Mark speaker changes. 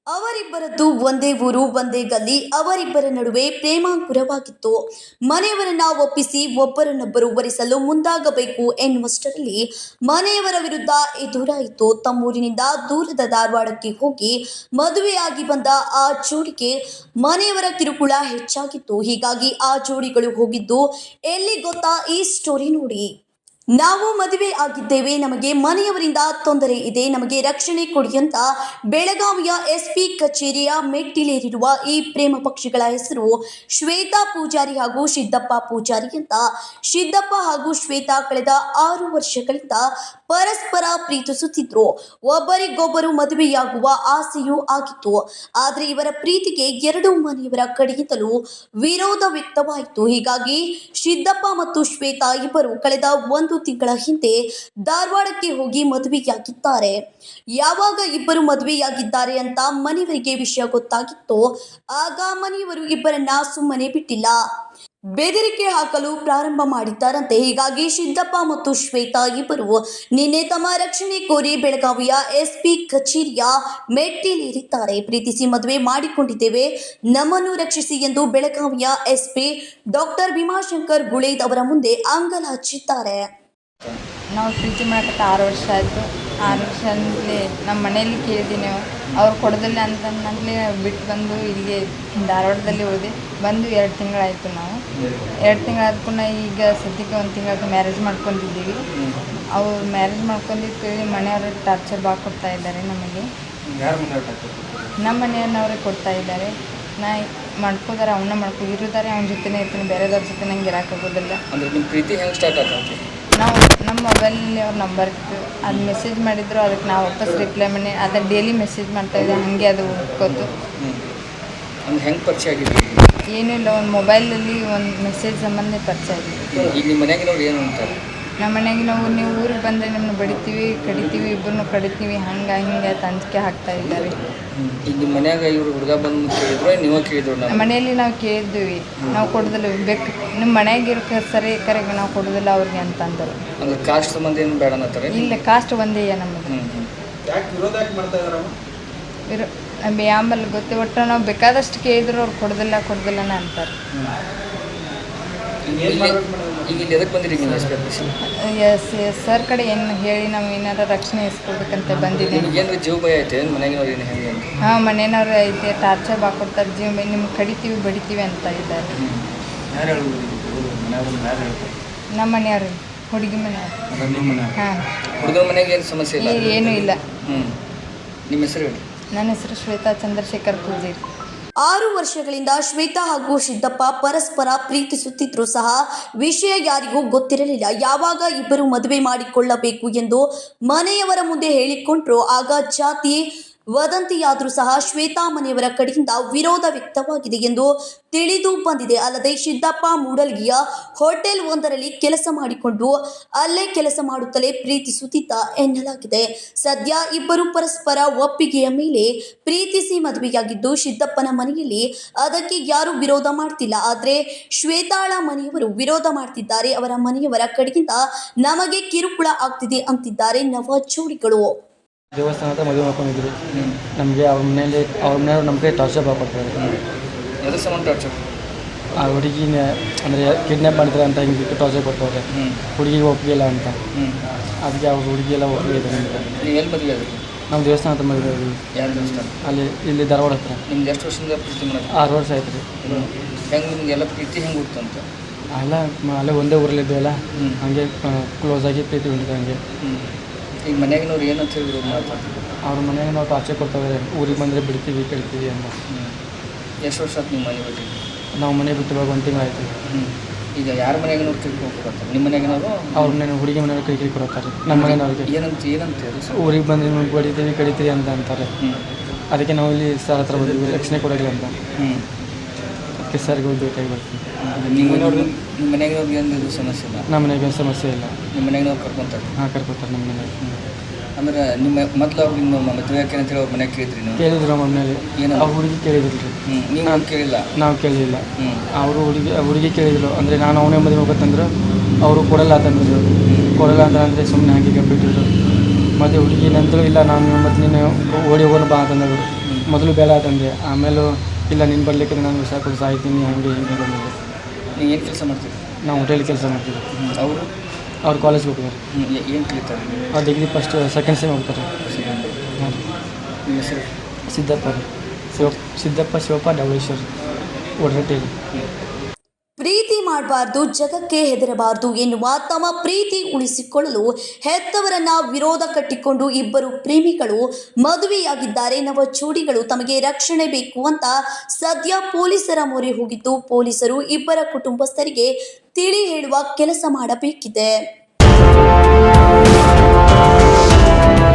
Speaker 1: ಅವರಿಬ್ಬರದ್ದು ಒಂದೇ ಊರು ಒಂದೇ ಗಲ್ಲಿ. ಅವರಿಬ್ಬರ ನಡುವೆ ಪ್ರೇಮಾಂಕುರವಾಗಿತ್ತು. ಮನೆಯವರನ್ನ ಒಪ್ಪಿಸಿ ಒಬ್ಬರನ್ನೊಬ್ಬರು ವರಿಸಲು ಮುಂದಾಗಬೇಕು ಎನ್ನುವಷ್ಟರಲ್ಲಿ ಮನೆಯವರ ವಿರುದ್ಧ ಎದುರಾಯಿತು. ತಮ್ಮೂರಿನಿಂದ ದೂರದ ಧಾರವಾಡಕ್ಕೆ ಹೋಗಿ ಮದುವೆಯಾಗಿ ಬಂದ ಆ ಜೋಡಿಗೆ ಮನೆಯವರ ಕಿರುಕುಳ ಹೆಚ್ಚಾಗಿತ್ತು. ಹೀಗಾಗಿ ಆ ಜೋಡಿಗಳು ಹೋಗಿದ್ದು ಎಲ್ಲಿ ಗೊತ್ತಾ? ಈ ಸ್ಟೋರಿ ನೋಡಿ. ನಾವು ಮದುವೆ ಆಗಿದ್ದೇವೆ, ನಮಗೆ ಮನೆಯವರಿಂದ ತೊಂದರೆ ಇದೆ, ನಮಗೆ ರಕ್ಷಣೆ ಕೊಡಿ ಅಂತ ಬೆಳಗಾವಿಯ ಎಸ್ಪಿ ಕಚೇರಿಯ ಮೆಟ್ಟಿಲೇರಿರುವ ಈ ಪ್ರೇಮ ಪಕ್ಷಿಗಳ ಹೆಸರು ಶ್ವೇತಾ ಪೂಜಾರಿ ಹಾಗೂ ಸಿದ್ದಪ್ಪ ಪೂಜಾರಿ ಅಂತ. ಸಿದ್ದಪ್ಪ ಹಾಗೂ ಶ್ವೇತಾ ಕಳೆದ 6 ವರ್ಷಗಳಿಂದ ಪರಸ್ಪರ ಪ್ರೀತಿಸುತ್ತಿದ್ರು. ಒಬ್ಬರಿಗೊಬ್ಬರು ಮದುವೆಯಾಗುವ ಆಸೆಯೂ ಆಗಿತ್ತು. ಆದರೆ ಇವರ ಪ್ರೀತಿಗೆ ಎರಡು ಮನೆಯವರ ಕಡೆಯಿಂದಲೂ ವಿರೋಧ ವ್ಯಕ್ತವಾಯಿತು. ಹೀಗಾಗಿ ಸಿದ್ದಪ್ಪ ಮತ್ತು ಶ್ವೇತಾ ಇಬ್ಬರು ಕಳೆದ 1 ತಿಂಗಳ ಹಿಂದೆ ಧಾರವಾಡಕ್ಕೆ ಹೋಗಿ ಮದುವೆಯಾಗಿದ್ದಾರೆ. ಯಾವಾಗ ಇಬ್ಬರು ಮದುವೆಯಾಗಿದ್ದಾರೆ ಅಂತ ಮನೆಯವರಿಗೆ ವಿಷಯ ಗೊತ್ತಾಗಿತ್ತು, ಆಗ ಮನೆಯವರು ಇಬ್ಬರನ್ನ ಸುಮ್ಮನೆ ಬಿಟ್ಟಿಲ್ಲ, ಬೆದರಿಕೆ ಹಾಕಲು ಪ್ರಾರಂಭ ಮಾಡಿದ್ದಾರಂತೆ. ಹೀಗಾಗಿ ಸಿದ್ದಪ್ಪ ಮತ್ತು ಶ್ವೇತಾ ಇಬ್ಬರು ನಿನ್ನೆ ತಮ್ಮ ರಕ್ಷಣೆ ಕೋರಿ ಬೆಳಗಾವಿಯ ಎಸ್ಪಿ ಕಚೇರಿಯ ಮೆಟ್ಟಿಲೇರಿದ್ದಾರೆ. ಪ್ರೀತಿಸಿ ಮದುವೆ ಮಾಡಿಕೊಂಡಿದ್ದೇವೆ, ನಮ್ಮನ್ನು ರಕ್ಷಿಸಿ ಎಂದು ಬೆಳಗಾವಿಯ ಎಸ್ಪಿ ಡಾಕ್ಟರ್ ಭೀಮಾಶಂಕರ್ ಗುಳೇದ್ ಅವರ ಮುಂದೆ ಅಂಗಲಾಚಿದ್ದಾರೆ.
Speaker 2: ನಾವು ಪ್ರೀತಿ ಮಾಡಕ್ಕೆ 6 ವರ್ಷ ಆಯಿತು. 6 ವರ್ಷ ಅಂತಲೇ ನಮ್ಮ ಮನೆಯಲ್ಲಿ ಕೇಳಿದ್ದೀನಿ, ಅವ್ರು ಕೊಡೋದಿಲ್ಲ ಅಂತಂದಲೇ ಬಿಟ್ಟು ಬಂದು ಇಲ್ಲಿಗೆ ಧಾರವಾಡದಲ್ಲಿ ಹೋದೆ. ಬಂದು 2 ತಿಂಗಳಾಯಿತು. ನಾವು 2 ತಿಂಗಳಾದ್ಕೊಂಡು ಈಗ ಸದ್ಯಕ್ಕೆ 1 ತಿಂಗಳ ಮ್ಯಾರೇಜ್ ಮಾಡ್ಕೊಂಡಿದ್ದೀವಿ. ಅವ್ರು ಮ್ಯಾರೇಜ್ ಮಾಡ್ಕೊಂಡಿದ್ದು ಮನೆಯವರು ಟಾರ್ಚರ್ ಭಾಳ ಕೊಡ್ತಾ ಇದ್ದಾರೆ ನಮಗೆ. ನಮ್ಮ ಮನೆಯವ್ರೇ ಕೊಡ್ತಾ ಇದ್ದಾರೆ. ನಾ ಮಾಡ್ಕೋದಾರೆ ಅವನ್ನ ಇರುತ್ತಾರೆ, ಅವನ ಜೊತೆನೇ ಇರ್ತೀನಿ, ಬೇರೆದವ್ರ ಜೊತೆ ನಂಗೆ ಇರೋಕ್ಕಾಗೋದಿಲ್ಲ.
Speaker 3: ಅಂದ್ರೆ ನಿಮ್ಮ ಪ್ರೀತಿ ಹೆಂಗೆ ಸ್ಟಾರ್ಟ್ ಆಗ್ತದೆ?
Speaker 2: ನಾವು ನಮ್ಮ ಮೊಬೈಲಲ್ಲಿ ಅವ್ರ ನಂಬರ್ ಇತ್ತು, ಅದು ಮೆಸೇಜ್ ಮಾಡಿದ್ರು, ಅದಕ್ಕೆ ನಾವು ವಾಪಸ್ ರಿಪ್ಲೈ ಮಾಡಿ ಅದನ್ನು ಡೈಲಿ ಮೆಸೇಜ್ ಮಾಡ್ತಾಯಿದ್ದೆ. ಹಾಗೆ ಅದು ಹುಡ್ಕೋತು.
Speaker 3: ಅಂದ್ರೆ ಹೆಂಗೆ ಪರಿಚಯ ಆಗಿದೆ?
Speaker 2: ಏನಿಲ್ಲ, ಒಂದು ಮೊಬೈಲಲ್ಲಿ ಒಂದು ಮೆಸೇಜ್ ಸಂಬಂಧ ಪರಿಚಯ ಆಗಿದೆ.
Speaker 3: ಈಗ ನಿಮ್ಮ ಮನೆಯಾಗಿನವ್ರು ಏನು ಅಂತಾರೆ?
Speaker 2: ನಮ್ಮ ಮನೆಯಾಗಿ ನೀವು ಊರಿಗೆ ಬಂದರೆ ನಿಮ್ಮನ್ನು ಬಡಿತೀವಿ, ಕಡಿತೀವಿ, ಇಬ್ಬರನ್ನು ಕಡಿತೀವಿ, ಹಂಗೆ ಹಿಂಗೆ ಅಂಜಿಕೆ ಹಾಕ್ತಾ ಇದ್ದಾರೆ.
Speaker 3: ಈಗ ನಿಮ್ಮ ಮನ್ಯಾಗ ಇವರು ಹುಡುಗ ಬಂದು ಕೇಳಿದ್ರು, ನೀವು ಕೇಳಿದ್ರು? ನಮ್ಮ
Speaker 2: ಮನೆಯಲ್ಲಿ ನಾವು ಕೇಳಿದ್ವಿ, ನಾವು ಕೊಡೋದಿಲ್ಲ, ಬೇಕು ನಿಮ್ಮ ಮನೆಯಾಗಿರೋ ಸರಿ ಕರೆಗೆ ನಾವು ಕೊಡೋದಿಲ್ಲ ಅವ್ರಿಗೆ ಅಂತ ಅಂದರು.
Speaker 3: ಅಂದ್ರೆ ಕಾಸ್ಟ್ ಸಂಬಂಧ ಏನು ಬೇಡ ಅನ್ನತ್ತಾರೆ?
Speaker 2: ಇಲ್ಲ, ಕಾಸ್ಟ್ ಒಂದೇ ನಮಗೆ. ಆಮೇಲೆ ಗೊತ್ತು, ಒಟ್ಟು ನಾವು ಬೇಕಾದಷ್ಟು ಕೇಳಿದ್ರು ಅವ್ರು ಕೊಡೋದಿಲ್ಲ ಅಂತಾರೆ.
Speaker 3: ಈಗ ಇಲ್ಲಿ ಎದಕ್ಕೆ ಬಂದಿರಿ ನೀವು?
Speaker 2: ಎಸ್ ಸರ್ ಕಡೆ ಏನು ಹೇಳಿ ನಾವು ಏನಾರ ರಕ್ಷಣೆ ಇಸ್ಕೊಡ್ಬೇಕಂತ ಬಂದಿದ್ದೀನಿ.
Speaker 3: ಏನು ಜೀವ ಭಯ ಐತೆ ಮನೆಯಾಗಿನವ್ರು ಏನು ಹೆಂಗೆ ಅಂತ?
Speaker 2: ಹಾಂ, ಮನೆಯವ್ರು ಐತೆ, ಟಾರ್ಚರ್ ಬಾಕೊಡ್ತಾರೆ, ಜೀವ ಭಯ, ನಿಮ್ಗೆ ಕಡಿತೀವಿ ಬಡಿತೀವಿ ಅಂತ ಇದ್ದಾರೆ. ನಮ್ಮ ಮನೆಯವ್ರು, ಹುಡುಗಿ ಮನೆಯವ್ರು. ಹಾಂ,
Speaker 3: ಹುಡುಗರ ಮನೆಗೆ ಏನು ಸಮಸ್ಯೆ ಇಲ್ಲ?
Speaker 2: ಏನೂ ಇಲ್ಲ.
Speaker 3: ನಿಮ್ಮ ಹೆಸರು ಹೇಳಿ?
Speaker 2: ನನ್ನ ಹೆಸರು ಶ್ವೇತಾ ಚಂದ್ರಶೇಖರ್ ಪೂಜಾರಿ.
Speaker 1: 6 ವರ್ಷಗಳಿಂದ ಶ್ವೇತಾ ಹಾಗೂ ಸಿದ್ದಪ್ಪ ಪರಸ್ಪರ ಪ್ರೀತಿಸುತ್ತಿದ್ರೂ ಸಹ ವಿಷಯ ಯಾರಿಗೂ ಗೊತ್ತಿರಲಿಲ್ಲ. ಯಾವಾಗ ಇಬ್ಬರು ಮದುವೆ ಮಾಡಿಕೊಳ್ಳಬೇಕು ಎಂದು ಮನೆಯವರ ಮುಂದೆ ಹೇಳಿಕೊಂಡ್ರು, ಆಗ ಜಾತಿ ವದಂತಿಯಾದರೂ ಸಹ ಶ್ವೇತಾ ಮನೆಯವರ ಕಡೆಯಿಂದ ವಿರೋಧ ವ್ಯಕ್ತವಾಗಿದೆ ಎಂದು ತಿಳಿದು ಬಂದಿದೆ. ಅಲ್ಲದೆ ಸಿದ್ದಪ್ಪ ಮೂಡಲ್ಗಿಯ ಹೋಟೆಲ್ ಒಂದರಲ್ಲಿ ಕೆಲಸ ಮಾಡಿಕೊಂಡು ಅಲ್ಲೇ ಕೆಲಸ ಮಾಡುತ್ತಲೇ ಪ್ರೀತಿಸುತ್ತಿದ್ದ ಎನ್ನಲಾಗಿದೆ. ಸದ್ಯ ಇಬ್ಬರು ಪರಸ್ಪರ ಒಪ್ಪಿಗೆಯ ಮೇಲೆ ಪ್ರೀತಿಸಿ ಮದುವೆಯಾಗಿದ್ದು ಸಿದ್ದಪ್ಪನ ಮನೆಯಲ್ಲಿ ಅದಕ್ಕೆ ಯಾರು ವಿರೋಧ ಮಾಡ್ತಿಲ್ಲ. ಆದರೆ ಶ್ವೇತಾಳ ಮನೆಯವರು ವಿರೋಧ ಮಾಡ್ತಿದ್ದಾರೆ. ಅವರ ಮನೆಯವರ ಕಡೆಯಿಂದ ನಮಗೆ ಕಿರುಕುಳ ಆಗ್ತಿದೆ ಅಂತಿದ್ದಾರೆ ನವ ಜೋಡಿಗಳು.
Speaker 4: ದೇವಸ್ಥಾನ ಹತ್ರ ಮದುವೆ ಮಾಡ್ಕೊಂಡಿದ್ರು. ನಮಗೆ ಅವ್ರ ಮನೆಯವ್ರು ನಮ್ಮ ಕೈ ಟಾರ್ಚರ್ ಮಾಡ್ಕೊಡ್ತಾರೆ.
Speaker 3: ಎದ್ರ ಸಂಬಂಧ ಟಾರ್ಚರ್?
Speaker 4: ಆ ಹುಡುಗಿನ ಅಂದರೆ ಕಿಡ್ನ್ಯಾಪ್ ಮಾಡಿದ್ರೆ ಅಂತ ಹಿಂಗೆ ಟಾರ್ಚರ್ ಕೊಡ್ತಾರೆ. ಹುಡುಗಿಗೆ ಒಪ್ಪಿಗೆ ಇಲ್ಲ ಅಂತ. ಅದಕ್ಕೆ ಅವ್ರ ಹುಡುಗಿಯೆಲ್ಲ ಒಪ್ಪಿಗೆ ಇದೆ ನಮಗೆ.
Speaker 3: ನೀವು ಎಲ್ಲಿ ಮದುವೆ ಆದ್ರಿ?
Speaker 4: ನಮ್ಮ ದೇವಸ್ಥಾನ ಹತ್ರ ಮದುವೆ ಆದ್ವಿ.
Speaker 3: ಯಾವ ದೇವಸ್ಥಾನ?
Speaker 4: ಇಲ್ಲಿ ಧಾರವಾಡ ಹತ್ರ.
Speaker 3: ನಿಮ್ಗೆ ಎಷ್ಟು ವರ್ಷದಿಂದ ಪ್ರೀತಿ ಮಾಡೋದು?
Speaker 4: 6 ವರ್ಷ ಆಯ್ತು ರೀ.
Speaker 3: ಹೆಂಗೆ ನಿಮಗೆಲ್ಲ ಪ್ರೀತಿ ಹೆಂಗೆ ಹುಡ್ತು ಅಂತ?
Speaker 4: ಅಲ್ಲೇ ಒಂದೇ ಊರಲ್ಲಿದ್ದೇವಲ್ಲ, ಹಾಗೆ ಕ್ಲೋಸ್ ಆಗಿ ಪ್ರೀತಿ ಹೊಂದಿದೆ ಹಂಗೆ.
Speaker 3: ಈಗ ಮನೆಯಾಗಿನವ್ರು ಏನಂತ ಹೇಳಿದ್ರು ಮಾಡ್ತಾರೆ?
Speaker 4: ಅವ್ರ ಮನೆಯಾಗ ನಾವು ಟಾರ್ಚರ್ ಕೊಡ್ತಾವೆ, ಊರಿಗೆ ಬಂದರೆ ಬಿಡ್ತೀವಿ ಕಳಿತೀವಿ ಅಂತ.
Speaker 3: ಎಷ್ಟು ವರ್ಷ ಆಯ್ತು ನಿಮ್ಮ ಮನೆ ಬಿಟ್ಟು?
Speaker 4: ನಾವು ಮನೆ ಬಿಟ್ಟು ಇವಾಗ 1 ತಿಂಗಳು ಆಯಿತು.
Speaker 3: ಈಗ ಯಾರ ಮನೆಯಾಗಿನವ್ರು ತಿಳ್ಕೊಂಡು ಕೊಡ್ತಾರೆ? ನಿಮ್ಮ ಮನೆಯಾಗಿನವರು? ಅವ್ರ
Speaker 4: ಮನೆ ಹುಡುಗಿ ಮನೆಯವ್ರು ಕೈ ಕೊಡ್ತಾರೆ. ನಮ್ಮ ಮನೆಯವ್ರಿಗೆ
Speaker 3: ಏನಂತ
Speaker 4: ಊರಿಗೆ ಬಂದು ನಿಮಗೆ ಬಡಿತೀವಿ ಕಡಿತೀವಿ ಅಂತ ಅಂತಾರೆ. ಅದಕ್ಕೆ ನಾವು ಇಲ್ಲಿ ಸರ್ ಹತ್ರ ಬಂದಿದ್ವಿ, ರಕ್ಷಣೆ ಕೊಡೋಲ್ಲ ಅಂತ. ಅದಕ್ಕೆ ಸರ್ಗೆ ಹೋಗಿ ಬೇಕಾಗಿ ಬರ್ತೀವಿ.
Speaker 3: ನಿಮ್ಮ ಮನೆಯಾಗಿನವ್ರಿಗೆ ಏನು ಸಮಸ್ಯೆ ಇಲ್ಲ?
Speaker 4: ನಮ್ಮ ಮನೆಗೆ ಏನು ಸಮಸ್ಯೆ ಇಲ್ಲ.
Speaker 3: ನಿಮ್ಮ ಮನೆಯಾಗಿನವ್ರು ಕರ್ಕೊತಾರೆ?
Speaker 4: ಹಾಂ, ಕರ್ಕೊತಾರೆ ನಮ್ಮ ಮನೆಗೆ.
Speaker 3: ಅಂದ್ರೆ ನಿಮ್ಮ ಮೊದಲು ಅವ್ರು ನಿಮ್ಮ ಮದುವೆ ಯಾಕೆ ಅಂತೇಳಿ ಅವ್ರ ಮನೆಗೆ ಕೇಳಿದ್ರಿ ನೀವು?
Speaker 4: ಕೇಳಿದ್ರು ನಮ್ಮ ಮನೇಲಿ.
Speaker 3: ಏನು
Speaker 4: ಅವ್ರ ಹುಡುಗಿ ಕೇಳಿದ್ರು ರೀ.
Speaker 3: ನೀವು ಕೇಳಿಲ್ಲ? ನಾವು
Speaker 4: ಕೇಳಿಲ್ಲ. ಅವರು ಹುಡುಗಿ ಕೇಳಿದ್ರು. ಅಂದರೆ ನಾನು ಅವನೇ ಮದುವೆ ಹೋಗ್ಬೇಕಂದ್ರು ಅವರು ಕೊಡಲ್ಲ ಅಂತಂದ್ರು. ಕೊಡಲ್ಲ ಅಂದರೆ ಸುಮ್ಮನೆ ಹಾಗೆ ಬಿಟ್ಟಿದ್ರು. ಮತ್ತು ಹುಡುಗಿ ನಂತರ ಇಲ್ಲ, ನಾನು ಮತ್ತು ನೀನು ಓಡಿ ಹೋಗೋಣ ಬಾ ಅಂತಂದ್ರು. ಮೊದಲು ಬೇಡ ಅಂತಂದೆ, ಆಮೇಲೆ ಇಲ್ಲ ನೀನು ಬರಲಿಕ್ಕೆ ನಾನು ವಿಷ ಕೊಟ್ಟು ಸಾಯ್ತೀನಿ ಹಾಗೆ ಹೀಗೆ ಬಂದಿದ್ದೆ.
Speaker 3: ನೀವು ಏನು ಕೆಲಸ ಮಾಡ್ತೀರಿ?
Speaker 4: ನಾವು ಹೋಟೆಲ್ ಕೆಲಸ ಮಾಡ್ತೀವಿ.
Speaker 3: ಅವರು
Speaker 4: ಅವ್ರು ಕಾಲೇಜ್ಗೆ ಹೋಗ್ತಾರೆ.
Speaker 3: ಏನು ಕಲಿತಾರೆ?
Speaker 4: ಅವ್ರು ಡಿಗ್ರಿ ಫಸ್ಟ್ ಸೆಕೆಂಡ್ ಸೆಮ್ ಹೋಗ್ತಾರೆ. ಹಾಂ ರೀ.
Speaker 3: ನಿಮ್ಮ ಹೆಸರು?
Speaker 4: ಸಿದ್ದಪ್ಪ ರೀ. ಸಿದ್ದಪ್ಪ ಶಿವಪ್ಪ ಡವಳೇಶ್ವರ್ ಒಡರಟ್ಟಿ ರೀ.
Speaker 1: ಪ್ರೀತಿ ಮಾಡಬಾರ್ದು, ಜಗಕ್ಕೆ ಹೆದರಬಾರ್ದು ಎನ್ನುವ ತಮ್ಮ ಪ್ರೀತಿ ಉಳಿಸಿಕೊಳ್ಳಲು ಹೆತ್ತವರನ್ನ ವಿರೋಧ ಕಟ್ಟಿಕೊಂಡು ಇಬ್ಬರು ಪ್ರೇಮಿಗಳು ಮದುವೆಯಾಗಿದ್ದಾರೆ. ನವ ಜೋಡಿಗಳು ತಮಗೆ ರಕ್ಷಣೆ ಬೇಕು ಅಂತ ಸದ್ಯ ಪೊಲೀಸರ ಮೊರೆ ಹೋಗಿದ್ದು, ಪೊಲೀಸರು ಇಬ್ಬರ ಕುಟುಂಬಸ್ಥರಿಗೆ ತಿಳಿ ಹೇಳುವ ಕೆಲಸ ಮಾಡಬೇಕಿದೆ.